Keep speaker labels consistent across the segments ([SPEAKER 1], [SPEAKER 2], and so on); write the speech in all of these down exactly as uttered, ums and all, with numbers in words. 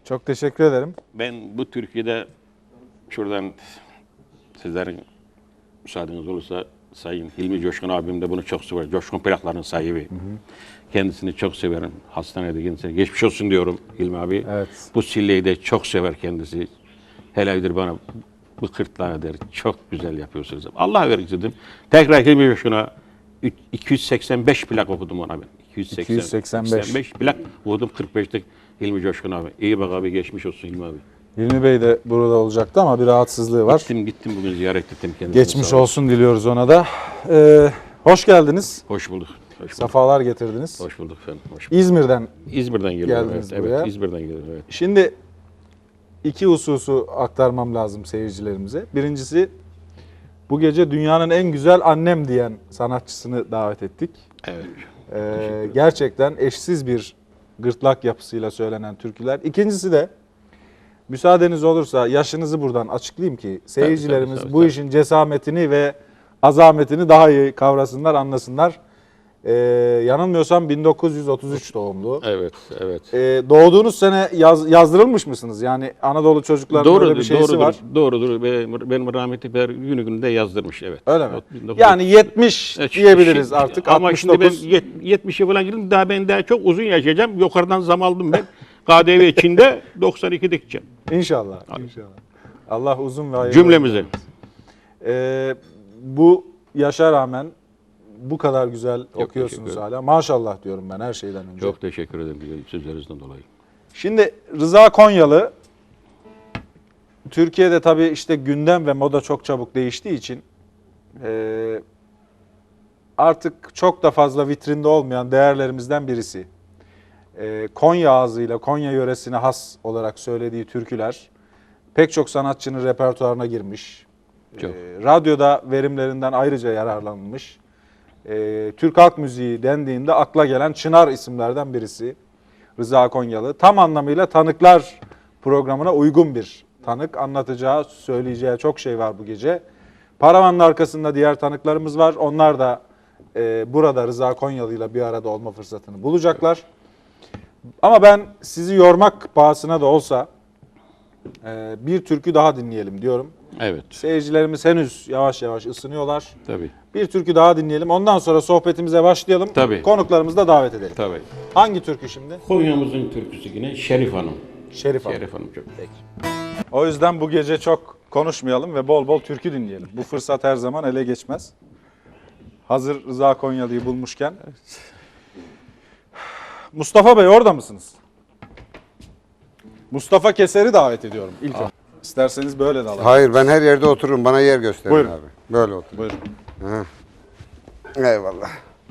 [SPEAKER 1] Çok teşekkür ederim.
[SPEAKER 2] Ben bu Türkiye'de şuradan sizlerin müsaadeniz olursa Sayın Hilmi Coşkun abim de bunu çok sever. Coşkun plakların sahibi. Hı hı. Kendisini çok severim. Hastanede kendisine geçmiş olsun diyorum Hilmi abi.
[SPEAKER 1] Evet.
[SPEAKER 2] Bu silleyi de çok sever kendisi. Helal bana bu kırtlağına der. Çok güzel yapıyorsunuz. Allah verir dedim. Tekrar Hilmi Coşkun'a iki yüz seksen beş plak okudum ona ben. iki yüz seksen beş plak okudum kırk beşte Hilmi Coşkun abi. İyi bak abi, geçmiş olsun Hilmi abi.
[SPEAKER 1] Hilmi Bey de burada olacaktı ama bir rahatsızlığı var.
[SPEAKER 2] Gittim gittim bugün ziyaret ettim kendisini.
[SPEAKER 1] Geçmiş olsun diliyoruz ona da. Ee, hoş geldiniz.
[SPEAKER 2] Hoş bulduk. Hoş bulduk.
[SPEAKER 1] Safalar getirdiniz.
[SPEAKER 2] Hoş bulduk efendim. Hoş bulduk.
[SPEAKER 1] İzmir'den
[SPEAKER 2] İzmir'den geliyorum.
[SPEAKER 1] geldiniz
[SPEAKER 2] Evet,
[SPEAKER 1] buraya.
[SPEAKER 2] evet, İzmir'den geliyorum. Evet.
[SPEAKER 1] Şimdi iki hususu aktarmam lazım seyircilerimize. Birincisi, bu gece dünyanın en güzel annem diyen sanatçısını davet ettik.
[SPEAKER 2] Evet.
[SPEAKER 1] Ee, gerçekten eşsiz bir gırtlak yapısıyla söylenen türküler. İkincisi de müsaadeniz olursa yaşınızı buradan açıklayayım ki seyircilerimiz
[SPEAKER 2] tabii, tabii,
[SPEAKER 1] bu
[SPEAKER 2] tabii.
[SPEAKER 1] işin cesametini ve azametini daha iyi kavrasınlar, anlasınlar. Ee, yanılmıyorsam bin dokuz yüz otuz üç doğumlu.
[SPEAKER 2] Evet, evet.
[SPEAKER 1] Ee, doğduğunuz sene yaz, yazdırılmış mısınız? Yani Anadolu çocuklarının
[SPEAKER 2] Doğrudur,
[SPEAKER 1] öyle bir şeysi
[SPEAKER 2] doğrudur,
[SPEAKER 1] var.
[SPEAKER 2] Doğrudur. Benim, benim rahmetli per günü gününde yazdırmış, evet.
[SPEAKER 1] Öyle mi?
[SPEAKER 2] bin dokuz yüz
[SPEAKER 1] Yani yetmiş
[SPEAKER 2] Evet,
[SPEAKER 1] diyebiliriz
[SPEAKER 2] şimdi-
[SPEAKER 1] artık.
[SPEAKER 2] Ama
[SPEAKER 1] altmış
[SPEAKER 2] şimdi
[SPEAKER 1] dokuz.
[SPEAKER 2] ben yet- yetmişe falan girdim. Daha ben daha çok uzun yaşayacağım. Yukarıdan zam aldım ben. K D V içinde doksan ikide gideceğim.
[SPEAKER 1] İnşallah. İnşallah. Allah uzun ve hayırlı.
[SPEAKER 2] Cümlemize.
[SPEAKER 1] Ee, bu yaşa rağmen bu kadar güzel
[SPEAKER 2] teşekkür
[SPEAKER 1] okuyorsunuz
[SPEAKER 2] ederim.
[SPEAKER 1] hala. Maşallah diyorum ben her şeyden önce.
[SPEAKER 2] Çok teşekkür ederim güzel sözlerinizden dolayı.
[SPEAKER 1] Şimdi Rıza Konyalı, Türkiye'de tabii işte gündem ve moda çok çabuk değiştiği için e, artık çok da fazla vitrinde olmayan değerlerimizden birisi. E, Konya ağzıyla, Konya yöresine has olarak söylediği türküler pek çok sanatçının repertuarına girmiş.
[SPEAKER 2] Çok.
[SPEAKER 1] E, radyoda verimlerinden ayrıca yararlanılmış. E, Türk halk müziği dendiğinde akla gelen Çınar isimlerden birisi Rıza Konyalı. Tam anlamıyla Tanıklar programına uygun bir tanık. Anlatacağı, söyleyeceği çok şey var bu gece. Paravanın arkasında diğer tanıklarımız var. Onlar da e, burada Rıza Konyalı ile bir arada olma fırsatını bulacaklar. Ama ben sizi yormak pahasına da olsa e, bir türkü daha dinleyelim diyorum.
[SPEAKER 2] Evet.
[SPEAKER 1] Seyircilerimiz henüz yavaş yavaş ısınıyorlar.
[SPEAKER 2] Tabii.
[SPEAKER 1] Bir türkü daha dinleyelim. Ondan sonra sohbetimize başlayalım.
[SPEAKER 2] Tabii.
[SPEAKER 1] Konuklarımızı da davet edelim.
[SPEAKER 2] Tabii.
[SPEAKER 1] Hangi türkü şimdi?
[SPEAKER 2] Konya'mızın türküsü yine Şerif Hanım.
[SPEAKER 1] Şerif Hanım.
[SPEAKER 2] Şerif Hanım çok.
[SPEAKER 1] O yüzden bu gece çok konuşmayalım ve bol bol türkü dinleyelim. Bu fırsat her zaman ele geçmez. Hazır Rıza Konyalı'yı bulmuşken. Mustafa Bey orada mısınız? Mustafa Keser'i davet ediyorum ilk önce. İsterseniz böyle de alalım.
[SPEAKER 3] Hayır, ben her yerde otururum. Bana yer gösterin
[SPEAKER 1] Buyurun.
[SPEAKER 3] abi. Böyle otur.
[SPEAKER 1] Buyurun.
[SPEAKER 3] Eyvallah.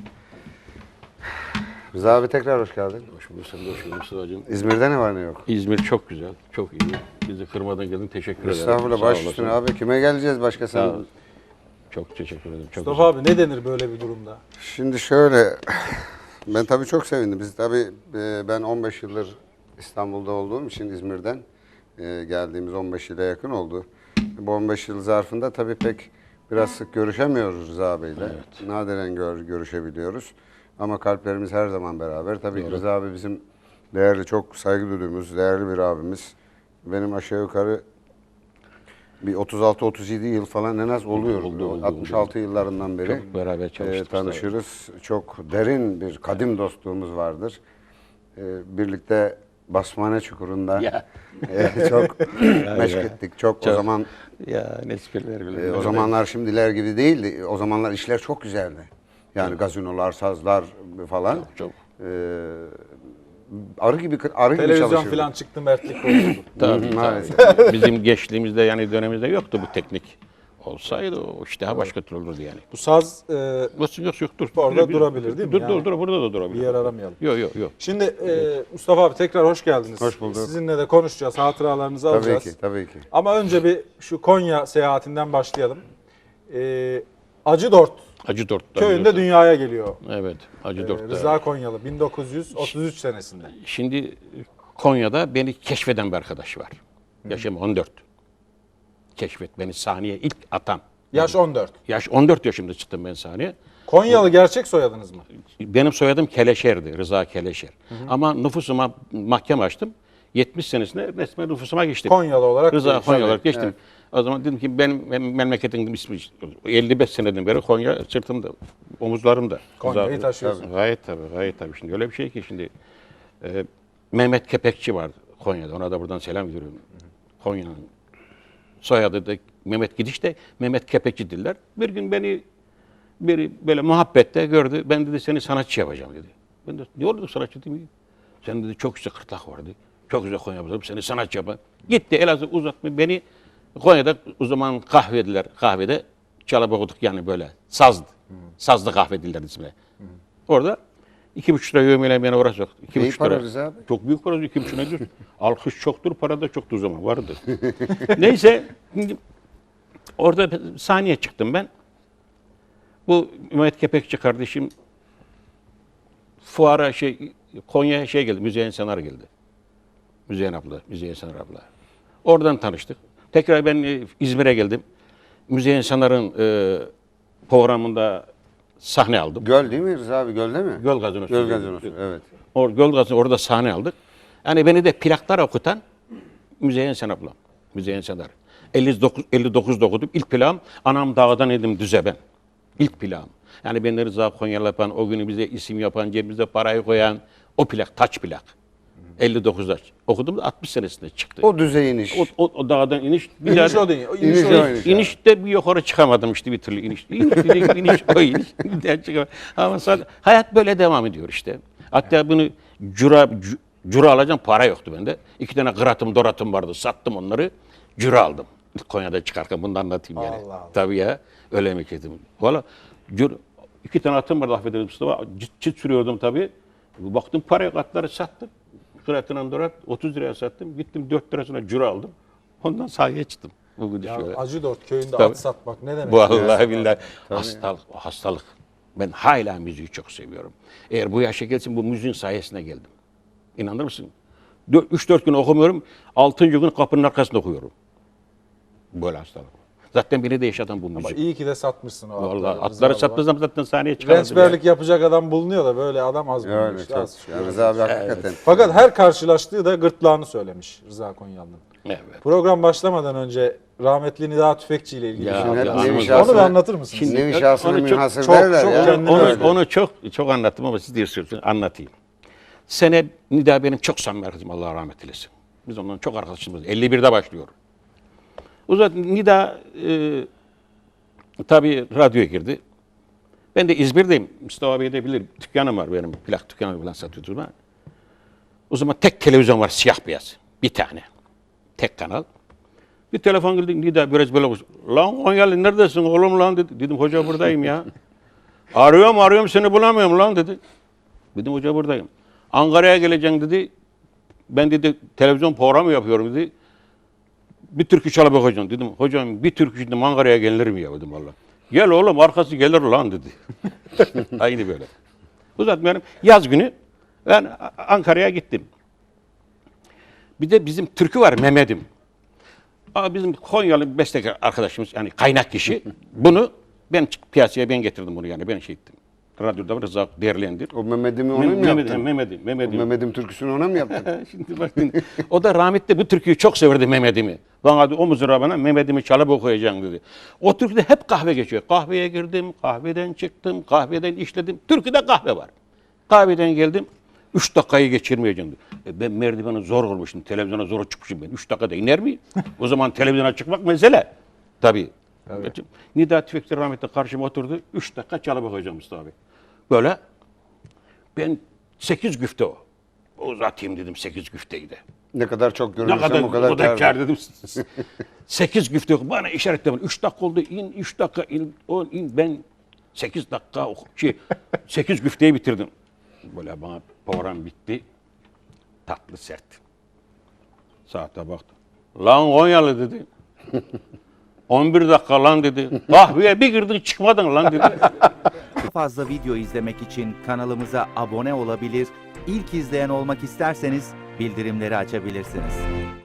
[SPEAKER 3] Rıza abi tekrar hoş geldin.
[SPEAKER 2] Hoş bulduk, sen de hoş bulduk Mustafa'cığım.
[SPEAKER 3] İzmir'de ne var ne yok?
[SPEAKER 2] İzmir çok güzel, çok iyi. Bizi kırmadan geldin, teşekkür ederim.
[SPEAKER 3] Estağfurullah,
[SPEAKER 2] Sağ
[SPEAKER 3] baş
[SPEAKER 2] olasın.
[SPEAKER 3] üstüne abi. Kime geleceğiz başka
[SPEAKER 2] Sağ ol.
[SPEAKER 3] sen?
[SPEAKER 2] Çok teşekkür ederim. Çok
[SPEAKER 1] Mustafa abi ne denir böyle bir durumda?
[SPEAKER 3] Şimdi şöyle, ben tabii çok sevindim. Biz tabii, e, ben on beş yıldır İstanbul'da olduğum için İzmir'den e, geldiğimiz on beş yıla yakın oldu. Bu on beş yıl zarfında tabii pek biraz sık görüşemiyoruz Rıza Bey'le.
[SPEAKER 2] Evet.
[SPEAKER 3] Nadiren gör, görüşebiliyoruz. Ama kalplerimiz her zaman beraber. Tabii ki
[SPEAKER 2] Doğru.
[SPEAKER 3] Rıza abi bizim değerli, çok saygı duyduğumuz, değerli bir abimiz. Benim aşağı yukarı bir otuz altı otuz yedi yıl falan en az oluyor.
[SPEAKER 2] Oldu, oldu,
[SPEAKER 3] altmış altı
[SPEAKER 2] oldu.
[SPEAKER 3] yıllarından beri
[SPEAKER 2] Çok beraber
[SPEAKER 3] e,
[SPEAKER 2] çalıştık.
[SPEAKER 3] tanışırız. Çok derin bir kadim dostluğumuz vardır. E, birlikte Basmane Çukuru'nda
[SPEAKER 2] Ya.
[SPEAKER 3] e, çok meşk ettik. Çok,
[SPEAKER 2] Çok.
[SPEAKER 3] o zaman
[SPEAKER 2] Ya ne espriler
[SPEAKER 3] e,
[SPEAKER 2] bile.
[SPEAKER 3] o zamanlar şimdiler gibi değildi. O zamanlar işler çok güzeldi. Yani gazinolar, sazlar falan.
[SPEAKER 2] Çok, çok.
[SPEAKER 3] E, arı gibi arı gibi
[SPEAKER 1] Televizyon
[SPEAKER 3] çalışırdık.
[SPEAKER 1] falan çıktı, mertlik bozuldu.
[SPEAKER 2] Tabii,
[SPEAKER 3] Hı, maalesef.
[SPEAKER 2] tabii. Bizim gençliğimizde yani dönemimizde yoktu bu teknik. Olsaydı o iş daha başka türlü olurdu yani.
[SPEAKER 1] Bu saz e,
[SPEAKER 2] Yok yok yok dur.
[SPEAKER 1] Orada
[SPEAKER 2] Dur,
[SPEAKER 1] durabilir değil mi
[SPEAKER 2] Dur
[SPEAKER 1] yani?
[SPEAKER 2] dur dur burada da durabilir.
[SPEAKER 1] bir yer aramayalım.
[SPEAKER 2] Yok yok yok.
[SPEAKER 1] Şimdi e, Mustafa abi tekrar hoş geldiniz.
[SPEAKER 3] Hoş bulduk.
[SPEAKER 1] Sizinle de konuşacağız, hatıralarınızı
[SPEAKER 3] Tabii
[SPEAKER 1] alacağız.
[SPEAKER 3] ki, tabii ki.
[SPEAKER 1] Ama önce bir şu Konya seyahatinden başlayalım. E, Acıdort
[SPEAKER 2] Acı Dört.
[SPEAKER 1] köyünde dünyaya geliyor.
[SPEAKER 2] Evet, Acı
[SPEAKER 1] E,
[SPEAKER 2] Dört.
[SPEAKER 1] Rıza Konyalı bin dokuz yüz otuz üç senesinde.
[SPEAKER 2] Şimdi Konya'da beni keşfeden bir arkadaş var. Yaşım on dört. Keşfet beni sahneye ilk atan.
[SPEAKER 1] Yaş on dört.
[SPEAKER 2] Yaş on dört yaşımda çıktım ben sahneye.
[SPEAKER 1] Konyalı gerçek soyadınız mı?
[SPEAKER 2] Benim soyadım Keleşer'di, Rıza Keleşer. Ama nüfusuma mahkeme açtım. yetmiş senesinde resmen nüfusuma geçtim.
[SPEAKER 1] Konyalı olarak
[SPEAKER 2] Rıza
[SPEAKER 1] değil.
[SPEAKER 2] Konya olarak
[SPEAKER 3] Tabii,
[SPEAKER 2] geçtim. O zaman dedim ki benim, benim memleketin ismi elli beş seneden beri Konya sırtımda, omuzlarımda.
[SPEAKER 1] Konya'yı
[SPEAKER 2] Rıza-
[SPEAKER 1] taşıyorsun.
[SPEAKER 2] Gayet tabii, gayet tabii. Şimdi öyle bir şey ki şimdi e, Mehmet Kepekçi vardı Konya'da. Ona da buradan selam veriyorum. Konya'nın soyadı da Mehmet Gidiş de Mehmet Kepekçi diller. Bir gün beni biri böyle muhabbette gördü. Ben dedi seni sanatçı yapacağım dedi. Ben de ne oldu sanatçı değil mi? Sen dedi çok güzel kırtlak vardı. Çok güzel Konya yapalım. Seni sanatçı yapalım. Gitti Elazığ uzatma beni Konya'da o zaman kahvediler. Kahvede çalıp okuduk yani böyle sazdı. Sazlı kahve diller ismi. Orada iki buçuk lira yövmeyle beni oraya soktu. İki
[SPEAKER 3] İyi
[SPEAKER 2] buçuk
[SPEAKER 3] para
[SPEAKER 2] lira.
[SPEAKER 3] Rıza abi.
[SPEAKER 2] Çok büyük para. iki buçuk lira. Alkış çoktur, para da çoktur o zaman. Vardı. Neyse. Şimdi orada sahneye çıktım ben. Bu Mehmet Kepekçi kardeşim fuara şey Konya'ya şey geldi. Müzeyyen Senar geldi. Müzeyyen abla, Müzeyyen Senar abla. Oradan tanıştık. Tekrar ben e, İzmir'e geldim. Müzeyyen Senar'ın e, programında sahne aldım.
[SPEAKER 3] Göl değil mi Rıza abi? Gölde mi?
[SPEAKER 2] Göl Gazinosu.
[SPEAKER 3] Göl gazinosu. Evet.
[SPEAKER 2] Or, Göl Gazinosu orada sahne aldık. Yani beni de plaklar okutan Müzeyyen Sen ablam. Müzeyyen Senar. elli dokuz, elli dokuzda okudum. İlk plağım Anam Dağdan Edim Düze ben. İlk plağım. Yani beni Rıza Konyalı yapan, o günü bize isim yapan, cebimize parayı koyan o plak, taç plak. elli dokuzda okudum da altmış senesinde çıktı.
[SPEAKER 3] O düzey iniş.
[SPEAKER 2] O, o, o dağdan iniş. Bir
[SPEAKER 1] İniş
[SPEAKER 2] daha-
[SPEAKER 1] o değil. O
[SPEAKER 3] İniş
[SPEAKER 1] iniş o
[SPEAKER 3] o
[SPEAKER 1] değil.
[SPEAKER 3] iniş.
[SPEAKER 2] İnişte bir yukarı çıkamadım işte bir türlü iniş. İniş, iniş, iniş o iniş. Bir daha çıkamadım. Ama sonra hayat böyle devam ediyor işte. Hatta bunu cura, cu- cura alacağım para yoktu bende. İki tane kıratım doratım vardı sattım onları. Cura aldım. Konya'da çıkarken bunu da anlatayım yani.
[SPEAKER 1] Allah Allah.
[SPEAKER 2] Tabii ya öyle emekledim. Valla cura, iki tane atım vardı affedersin Mustafa. Çıt, çıt sürüyordum tabii. Baktım paraya katları sattım. Kıratın dorat otuz liraya sattım. Gittim dört lirasına cura aldım. Ondan sahaya çıktım. Bugün
[SPEAKER 1] Ya
[SPEAKER 2] şöyle.
[SPEAKER 1] Acıdort köyünde
[SPEAKER 2] Tabii.
[SPEAKER 1] at satmak ne demek?
[SPEAKER 2] Vallahi
[SPEAKER 1] ya?
[SPEAKER 2] billahi hastalık, o hastalık. Ben hala müziği çok seviyorum. Eğer bu yaşa gelsin bu müziğin sayesinde geldim. İnanır mısın? üç dört gün okumuyorum, altıncı gün kapının arkasında okuyorum. Böyle hastalık. Zaten beni de yaşatan bu
[SPEAKER 1] Ama
[SPEAKER 2] müzik.
[SPEAKER 1] iyi ki de satmışsın o atları.
[SPEAKER 2] Vallahi
[SPEAKER 1] Rıza
[SPEAKER 2] atları
[SPEAKER 1] baba.
[SPEAKER 2] satmasam zaten sahneye çıkardım.
[SPEAKER 1] Rençberlik yapacak adam bulunuyor da böyle adam az
[SPEAKER 3] Öyle
[SPEAKER 1] bulmuş.
[SPEAKER 3] çok.
[SPEAKER 1] Az.
[SPEAKER 3] Ya Rıza abi hakikaten.
[SPEAKER 1] Fakat her karşılaştığı da gırtlağını söylemiş Rıza Konyalı'nın.
[SPEAKER 2] Evet.
[SPEAKER 1] Program başlamadan önce rahmetli Nida Tüfekçi ile ilgili.
[SPEAKER 2] Ya,
[SPEAKER 1] bir şey
[SPEAKER 3] Hep
[SPEAKER 2] ya,
[SPEAKER 1] anlatmış.
[SPEAKER 3] nevi
[SPEAKER 2] anladım.
[SPEAKER 3] şahsına,
[SPEAKER 1] Onu bir anlatır mısınız?
[SPEAKER 2] Şimdi-
[SPEAKER 3] nevi şahsına
[SPEAKER 2] Onu çok-
[SPEAKER 3] münhasır
[SPEAKER 1] çok-
[SPEAKER 3] derler
[SPEAKER 1] çok
[SPEAKER 3] ya.
[SPEAKER 1] kendine
[SPEAKER 2] Onu,
[SPEAKER 1] öyle.
[SPEAKER 2] onu çok çok anlattım ama siz diyorsunuz anlatayım. Sene Nida benim çok samimi arkadaşım Allah rahmet eylesin. Biz ondan çok arkadaşımız. elli birde başlıyor. O zaman Nida e, tabii radyoya girdi. Ben de İzmir'deyim. Mustafa Bey de bilir. Dükkanım var benim. Plak dükkanı falan satıyordum ben. O zaman tek televizyon var siyah beyaz. Bir tane. Tek kanal. Bir telefon geldi. Nida biraz böyle konuş. Lan Konyalı neredesin oğlum lan dedi. Dedim hoca buradayım ya. Arıyorum arıyorum seni bulamıyorum lan dedi. Dedim hoca buradayım. Ankara'ya geleceğim dedi. Ben dedi televizyon programı yapıyorum dedi. Bir türkü çalıp okuyacağım dedim. Hocam bir türkü şimdi Ankara'ya gelir mi ya dedim valla. Gel oğlum arkası gelir lan dedi. Aynı böyle. Uzatmıyorum. Yaz günü ben Ankara'ya gittim. Bir de bizim türkü var Mehmet'im. Aa, bizim Konyalı bir bestekar arkadaşımız yani kaynak kişi. Bunu ben piyasaya ben getirdim bunu yani ben şey ettim. Radyoda Rıza değerlendir.
[SPEAKER 3] O Mehmet'imi ona
[SPEAKER 2] Mehmet'im,
[SPEAKER 3] mı yaptın?
[SPEAKER 2] Mehmet'im, Mehmet'im,
[SPEAKER 3] O
[SPEAKER 2] Mehmet'im.
[SPEAKER 3] Mehmet'im türküsünü ona mı yaptın?
[SPEAKER 2] Şimdi baktın. O da rahmetli bu türküyü çok severdi Mehmet'imi. Bana dedi, o mızrağı bana Mehmet'imi çalıp okuyacaksın dedi. O türküde hep kahve geçiyor. Kahveye girdim, kahveden çıktım, kahveden işledim. Türküde kahve var. Kahveden geldim. Üç dakikayı geçirmeyeceğim dedi. E ben merdiveni zor olmuşum. Televizyona zor çıkmışım ben. Üç dakikada iner miyim? O zaman televizyona çıkmak mesele. Tabii. Nida Tüfekçi rahmetli karşıma oturdu. Üç dakika çalıp okuyacağım Mustafa abi. Böyle. Ben sekiz güfte o. Uzatayım dedim sekiz güfteyi de.
[SPEAKER 3] Ne kadar çok
[SPEAKER 2] Ne
[SPEAKER 3] görürsem
[SPEAKER 2] kadar,
[SPEAKER 3] o kadar,
[SPEAKER 2] o kadar
[SPEAKER 3] kâr.
[SPEAKER 2] kâr dedim. sekiz güfte yok. Bana işaretle. Üç dakika oldu. İn, üç dakika in, on, in. Ben sekiz dakika oku- şey, sekiz güfteyi bitirdim. Böyle bana program bitti. Tatlı sert. Saate baktım. Lan Konyalı dedi. on bir dakika lan dedi. Kahveye bir girdin çıkmadın lan dedi.
[SPEAKER 4] Daha fazla video izlemek için kanalımıza abone olabilir, ilk izleyen olmak isterseniz bildirimleri açabilirsiniz.